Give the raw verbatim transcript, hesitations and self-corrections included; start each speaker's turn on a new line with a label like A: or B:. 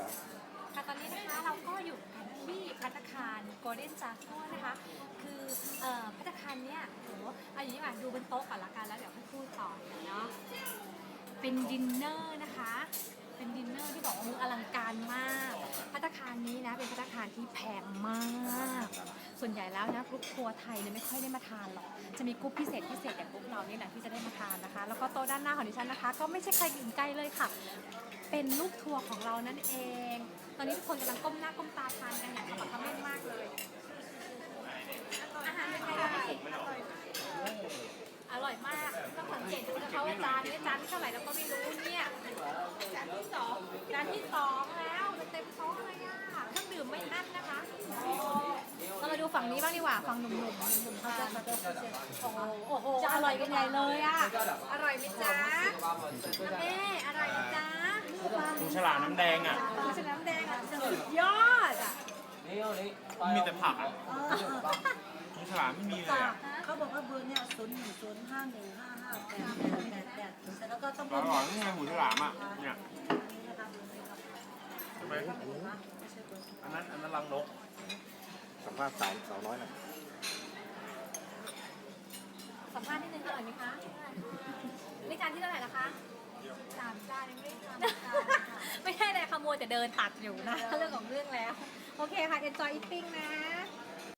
A: ครับ
B: ค่ะตอนนี้นะคะเราก็อยู่กันที่ภัตตาคารโกลเด้นจากัวนะคะคือเอ่อภัตตาคารเนี้ยโหเอาอย่างนี้มาดูบนโต๊ะก่อนละกันแล้วเดี๋ยวค่อยพูดต่อเนาะเป็นดินเนอร์นะคะเป็นดินเนอร์ที่บอกว่ามืออลังการมากภัตตาคารนี้นะเป็นภัตตาคารที่แพงมากส่วนใหญ่แล้วนะกรุ๊ปทัวร์ไทยเนี่ยไม่ค่อยได้มาทานหรอกจะมีกรุ๊ปพิเศษพิเศษอย่างกรุ๊ปเรานี่แหละที่จะได้มาทานนะคะแล้วก็โต๊ะด้านหน้าของดิฉันนะคะก็ไม่ใช่ใครอื่นไกลเลยค่ะเป็นลูกทัวร์ของเรานั่นเองตอนนี้ทุกคนกำลังก้มหน้าก้มตาทานกันอย่างขมักเขม้นมากเลยอาหารเป็นไงคะพี่อร่อยมากต้องสังเกตดูนะคะว่าจานนี้จานที่เท่าไหร่เราก็ไม่รู้เนี่ยจานที่สองจานที่สองแล้วเต็มโต๊ะเลยอ่ะเครื่องดื่มไม่อั้นนะคะเรามาดูฝั่งนี้บ้างดีกว่าฝั่งหนุ่มๆหนุ่มๆทานโอ้โหโอ้โหอร่อยกันใหญ่เลยอ่ะอร่อยไหมจ๊ะน้ำเอ๊อร่อยไหมจ๊ะ
C: ดูฉลามน้ำแดงอ่ะ
B: ดูฉลามน้ำแดงอ่ะสุดยอดอ่ะ
C: มีแต่ผักอ่ะดูฉลามไม่มีเลยอ่ะ
D: เขาบอกว่าเบอร์เนี่ยศูนย์หนึ่งศูนย์ห้าหนึ่งห้าห้าแปดแปดแปดแปดแต่แล้วก็ต้อง
C: อร่อยนี่ไงหูฉลามอ่ะเนี่ย
D: นี้นะคะเบอร์นี้ครับ
C: ใช่ไหม
D: ไม่ใช่เบอร์
C: อันนั้นอันนั้นรังนก
A: สัมภาษณ์สาวสาวน้อยหน่อย
B: สัมภาษณ์นิดนึงอร่อยไหมคะนี่จานที่เท่าไหร่ละคะสามจานยังไม่ได้ทำไม่ใช่เลยขโมยแต่เดินตัดอยู่นะเรื่องของเรื่องแล้วโอเคค่ะ enjoy eating นะ